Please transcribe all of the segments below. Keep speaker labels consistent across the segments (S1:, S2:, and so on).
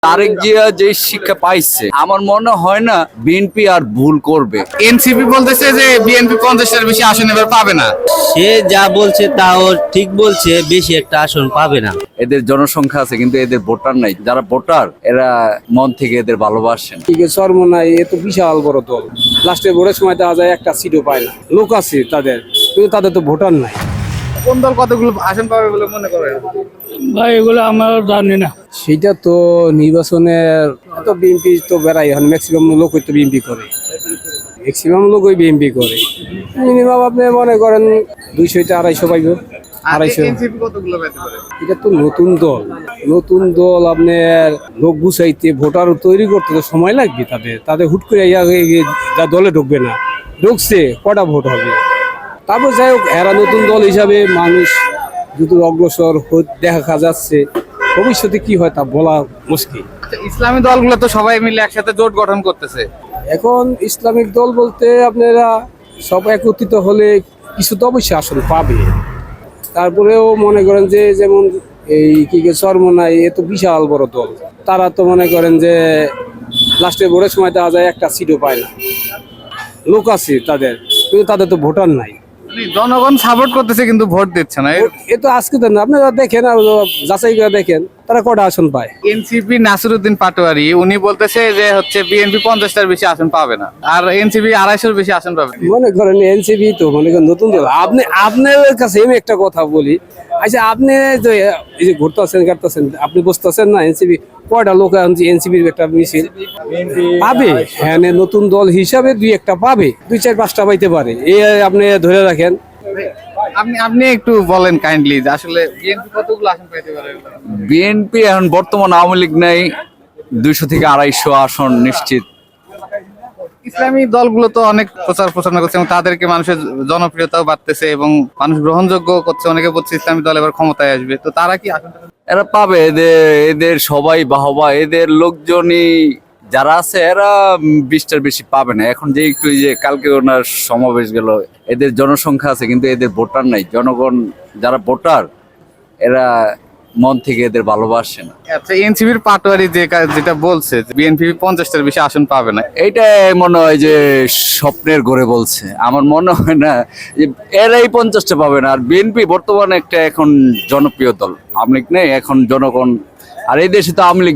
S1: তারেক জিয়া যে শিক্ষা পাইছে আমার মনে হয় না বিএনপি আর ভুল করবে।
S2: এনসিপি বলতেছে যে বিএনপি 50টার বেশি আসন এবার পাবে না।
S3: সে যা বলছে তাও ঠিক বলছে, বেশি একটা আসন পাবে না।
S1: এদের জনসংখ্যা আছে কিন্তু এদের ভোটার নাই। যারা ভোটার এরা মন থেকে এদের ভালোবাসেন।
S4: সর্বনাই এ তো বিশাল বড় দল, লাস্টে ভোটের সময় দেখা যায় একটা সিটও পায় না। লোক আছে তাদের, কিন্তু তাদের তো ভোটার নাই।
S2: কোন দল কতগুলো আসন পাবে বলে মনে করেন?
S5: ভাই এগুলো আমরা জানি না।
S4: সেটা তো নির্বাচনের তো বিএনপি তো বেড়াই, এখন ম্যাক্সিমাম লোকই তো বিএনপি করে, ম্যাক্সিমাম লোকই বিএনপি করে। মিনিমাম আপনি মনে করেন 200-250 পাইব, 250।
S2: এনসিপি কতগুলো পেতে পারে?
S4: এটা তো নতুন দল, নতুন দল আপনার লোক গুছাইতে ভোটার তৈরি করতে তো সময় লাগবে। তাদের হুট করে যা দলে ঢুকবে না, ঢুকছে কটা ভোট হবে। তারপর যাই হোক, এরা নতুন দল হিসাবে মানুষ দ্রুত অগ্রসর দেখা যাচ্ছে। ভবিষ্যতে কি হয় তা বলা মুশকিল।
S2: ইসলামী দলগুলো তো সবাই মিলে একসাথে জোট গঠন করতেছে।
S4: এখন ইসলামিক দল বলতে আপনারা সব একত্রিত হলে কিছু তো অবশ্যই আসন পাবে। তারপরেও মনে করেন যে যেমন এই চরমনাই এ তো বিশাল বড় দল, তারা তো মনে করেন যে লাস্টে ভোটের সময় দেখা যায় একটা সিটও পায় না। লোক আছে তাদের, কিন্তু তাদের তো ভোটার নাই।
S2: জনগণ সাপোর্ট করতেছে কিন্তু ভোট দিচ্ছে না।
S4: এ তো আজকে তো না, আপনারা দেখেন আর যাচাই করে দেখেন তারা কটা আসন পায়।
S2: এনসিপি নাসিরউদ্দিন পাটোয়ারি উনি বলতেছে যে হচ্ছে বিএনপি 50টার বেশি আসন পাবে না, আর এনসিপি 250-র বেশি আসন পাবে।
S4: মনে করেন এনসিপি তো মনে করেন নতুন দল। আপনার কাছে আমি একটা কথা বলি, আচ্ছা আপনি যে এই যে ঘুরতেছেন কাটতেছেন, আপনি বুঝতেছেন না এনসিপি কয়টা লোক এনসিপির একটা মিছিল পাবে? হ্যাঁ, নতুন দল হিসাবে 2-1টা পাবে, 2-4-5টা পাইতে পারে। এই আপনি ধরে রাখেন।
S2: আপনি একটু বলেন কাইন্ডলি যে আসলে বিএনপি কতগুলো আসন পেতে পারে?
S1: বিএনপি এখন বর্তমান আওয়ামী লীগ নাই, 200-250 আসন নিশ্চিত।
S2: ইসলামী দলগুলো তো অনেক প্রচার প্রচারণা করছে এবং তাদেরকে মানুষের জনপ্রিয়তাও বাড়তেছে এবং মানুষ গ্রহণযোগ্য করছে। অনেকে বলছে ইসলামী দল এবার ক্ষমতায় আসবে, তো তারা কি আসনটা?
S1: এরা পাবে, এদের সবাই বাহবা, এদের লোকজনই যারা আছে এরা 20টার বেশি পাবে না। এখন যে একটু যে কালকে ওনার সমাবেশ গেল, এদের জনসংখ্যা আছে কিন্তু এদের ভোটার নাই। জনগণ যারা ভোটার এরা মন থেকে এদের ভালোবাসে না।
S2: আচ্ছা, এনসিপির পাটোয়ারি যেটা বলছে বিএনপি 50টার বেশি আসন পাবে না,
S1: এইটা মনে হয় যে স্বপ্নের ঘরে বলছে। আমার মনে হয় না যে এরাই 50টা পাবে না। আর বিএনপি বর্তমানে একটা এখন জনপ্রিয় দল, আওয়ামী লীগ নেই এখন জনগণ। আর এই দেশে তো আওয়ামী লীগ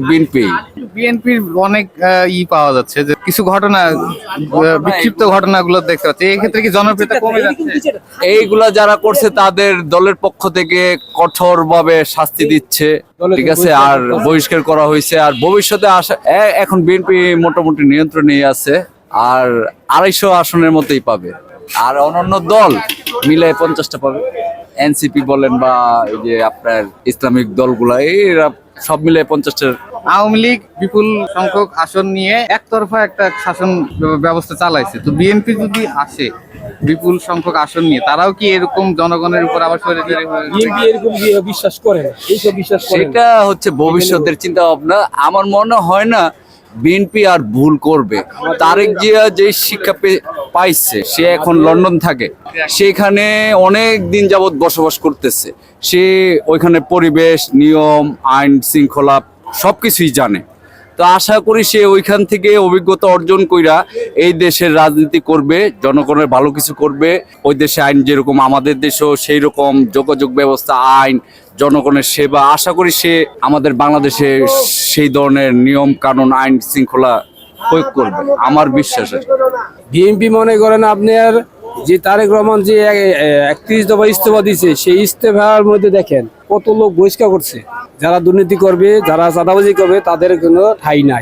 S2: বিএনপির অনেক পাওয়া যাচ্ছে যে কিছু ঘটনা, বিক্ষিপ্ত ঘটনাগুলো দেখতে পাচ্ছি। এই ক্ষেত্রে কি জনপ্রিয়তা কমে যাচ্ছে?
S1: এইগুলা যারা করছে তাদের দলের পক্ষ থেকে কঠোর ভাবে শাস্তি দিচ্ছে, ঠিক আছে, আর বহিষ্কার করা হয়েছে। আর ভবিষ্যতে এখন বিএনপি মোটামুটি নিয়ন্ত্রণে আছে, আর 250 আসনের মতোই পাবে। আর অন্যান্য দল মিলে 50টা পাবে। এনসিপি বলেন বা এই যে আপনার ইসলামিক দলগুলা, এরা সব মিলে 50টার।
S2: আওয়ামী লীগ বিপুল সংখ্যক আসন নিয়ে একতরফা একটা শাসন ব্যবস্থা চালাইছে, তো বিএনপি যদি আসে বিপুল সংখ্যক আসন নিয়ে, তারাও কি এরকম জনগণের উপর আবার
S4: এরকম বিশ্বাস করে না, এইসব বিশ্বাস করে না।
S1: সেটা হচ্ছে ভবিষ্যতের চিন্তা ভাবনা। আমার মনে হয় না বিএনপি আর ভুল করবে। তারেক জিয়া যে শিক্ষা পাইছে, সে এখন লন্ডন থাকে, সেখানে অনেক দিন যাবৎ বসবাস করতেছে। সে ওইখানে পরিবেশ, নিয়ম, আইন শৃঙ্খলা সবকিছুই জানে। তো আশা করি সে ওইখান থেকে অভিজ্ঞতা অর্জন কইরা এই দেশের রাজনীতি করবে, জনগণের ভালো কিছু করবে। ওই দেশে আইন যেরকম আমাদের দেশেও সেই রকম যোগাযোগ ব্যবস্থা, আইন, জনগণের সেবা, আশা করি সে আমাদের বাংলাদেশে সেই ধরনের নিয়ম কানুন, আইন শৃঙ্খলা প্রয়োগ করবে, আমার বিশ্বাস আছে।
S4: বিএনপি মনে করেন আপনার যে তারেক রহমান যে 31 দফা ইস্তফা দিয়েছে, সেই ইস্তফার মধ্যে দেখেন কত লোক বহিষ্কার করছে। যারা দুর্নীতি করবে, যারা চাঁদাবাজি করবে, তাদের কোনো ঠাই নাই,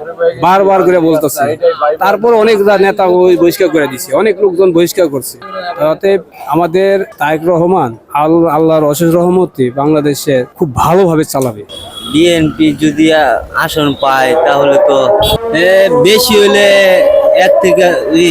S4: বারবার করে বলতেছে। তারপর অনেক নেতা বহিষ্কার করে দিচ্ছে, অনেক লোকজন বহিষ্কার করছে। তাতে আমাদের তারেক রহমান আল্লাহর অশেষ রহমতে বাংলাদেশে খুব ভালোভাবে চালাবে।
S3: বিএনপি যদি আসন পায় তাহলে তো বেশি হইলে 1 থেকে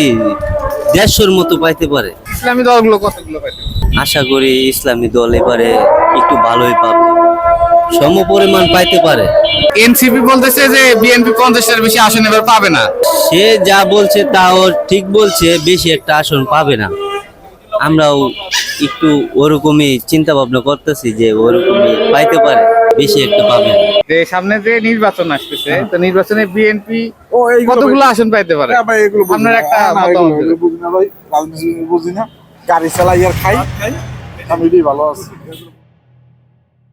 S3: 150-র মতো পাইতে পারে।
S2: ইসলামী দলগুলো কতগুলো পাইতে পারে?
S3: আশা করি ইসলামী দল এবারে একটু ভালোই পাবে, সম পরিমাণ পাইতে পারে।
S2: এনসিপি বলতেছে যে বিএনপি 50টার বেশি আসন এবার পাবে না।
S3: সে যা বলছে তাও ঠিক বলছে, বেশি একটা আসন পাবে না। আমরাও একটু ওরকমই চিন্তা ভাবনা করতেছি যে ওরকমই পাইতে পারে, বেশি একটা পাবে না।
S2: যে সামনে যে নির্বাচন আসতেছে, তো নির্বাচনে বিএনপি কতগুলো আসন পাইতে পারে? আপনার একটা মতামত দিন।
S6: বুঝি না ভাই, রাজনীতি বুঝি না, গাড়ি চালাই আর খাই, আমি এটাই ভালো আছি।